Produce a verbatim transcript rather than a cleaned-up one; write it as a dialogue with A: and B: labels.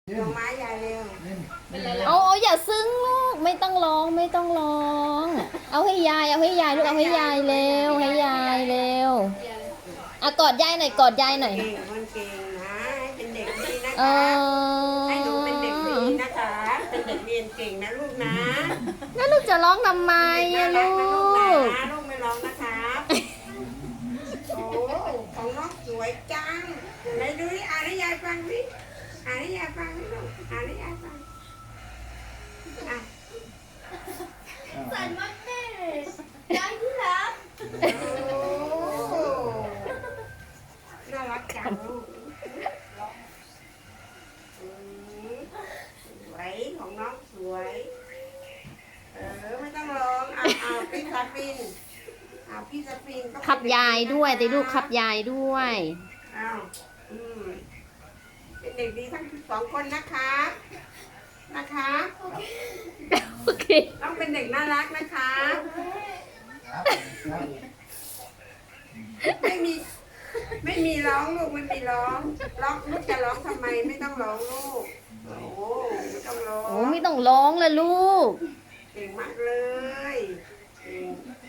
A: ดอกไม้ยายเร็ว
B: เอาเอาอย่าซึ้งลูกไม่ต้องร้องไม่ต้องร้อง เอาให้ยายเอาให้ยายลูกเอาให้ยายเร็วให้ยายเร็วอ่ะกอดยายหน่อยกอดยายหน่อย
A: เก่งมันเก่งนะให้เป็นเด็กดีนะ
B: เอ
A: คะ
B: อ
A: ให้หนูเป็นเด็กดีนะคะ เป็นเด็กเรียนเก่งนะลูกนะ
B: แล้วลูกจะร้องทำไม
A: น่า
B: อะ
A: รั
B: ลู
A: กนะลูกนะลู
B: ก
A: กไม่ร้องนะคะโอ้ของน้องสวยจังไหนดูดิอ่านให้ยายฟังดิอ่านให้ยายฟังดิลูกอ่านให้ยายฟังอ่ะ
C: สันมันแม่ยายที่รัก
A: โอ้น่ารักจังลูกอืมสวยของน้องสวย เออไม่ต้องร้องเอาเอาพี่ซาฟินเอาพี่ซาฟินก็
B: ขับยายด้วยแต่ลูกขับยายด้วย
A: เอาอืมเป็นเด็กดีทั้งสองคนนะคะ นะคะ
B: โอเค
A: ต้องเป็นเด็กน่ารักนะคะ ไม่มี ไม่มีร้องลูกไม่มีร้อง ร้องลูกจะร้องทำไมไม่ต้องร้องลูก โอ้โหไม่ต้องร้อง
B: โอ้ไม่ต้องร้องเลยลูก
A: เก่งมากเลยเก่ง